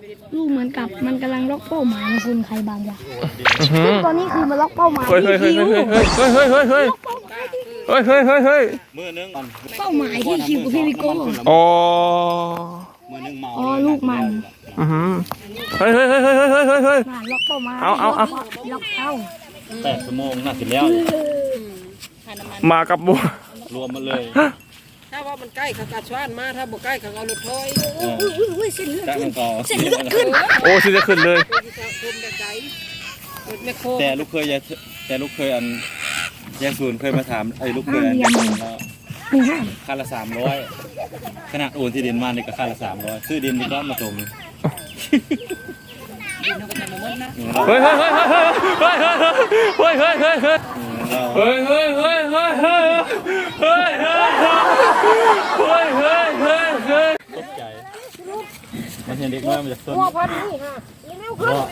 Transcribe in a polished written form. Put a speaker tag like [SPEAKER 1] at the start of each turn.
[SPEAKER 1] ลูกเหมือนกับมันกำลังล็อกเป้าหมายของคุณใครบางอย่างตอนนี้คือมันล็อกเป้าหมายที่คิว
[SPEAKER 2] มือนึง
[SPEAKER 1] เป้าหมายที่คิวกับพี่วิโก้
[SPEAKER 3] อ๋อ
[SPEAKER 2] มือนึงเมา
[SPEAKER 1] อ๋อลูกมัน
[SPEAKER 3] เฮ้ย
[SPEAKER 1] ล็อกเป้าหมาย
[SPEAKER 3] เอา
[SPEAKER 1] ล็อกเป้า
[SPEAKER 2] 8 ชั่วโมงน่าสิแล้ว
[SPEAKER 3] มากับบัว
[SPEAKER 2] รวมมาเลย
[SPEAKER 4] ถ้าว่ามันใกล้เขากัดชวนมาถ้าบ่ใกล้เขาเอารถถอย
[SPEAKER 1] เส้นเลือด
[SPEAKER 2] จ้างต่อ
[SPEAKER 1] เส้นเลือดขึ้น
[SPEAKER 3] โอ้สิจะขึ้นเลย
[SPEAKER 4] คือจะคุมแต่ใจรถแมคโคร
[SPEAKER 2] แต่ลูกเคยอันยายศูนย์เคยมาถามลูกเคยอันค่าละ300ขนาดโอนที่ดินมานี่ก็ค่าละ300ซื้อดินนี่ก็มาจม
[SPEAKER 3] เฮ้ย
[SPEAKER 2] ตกใจมันเห็นเด็กน้อยมันจะสน
[SPEAKER 1] พอดีค่ะ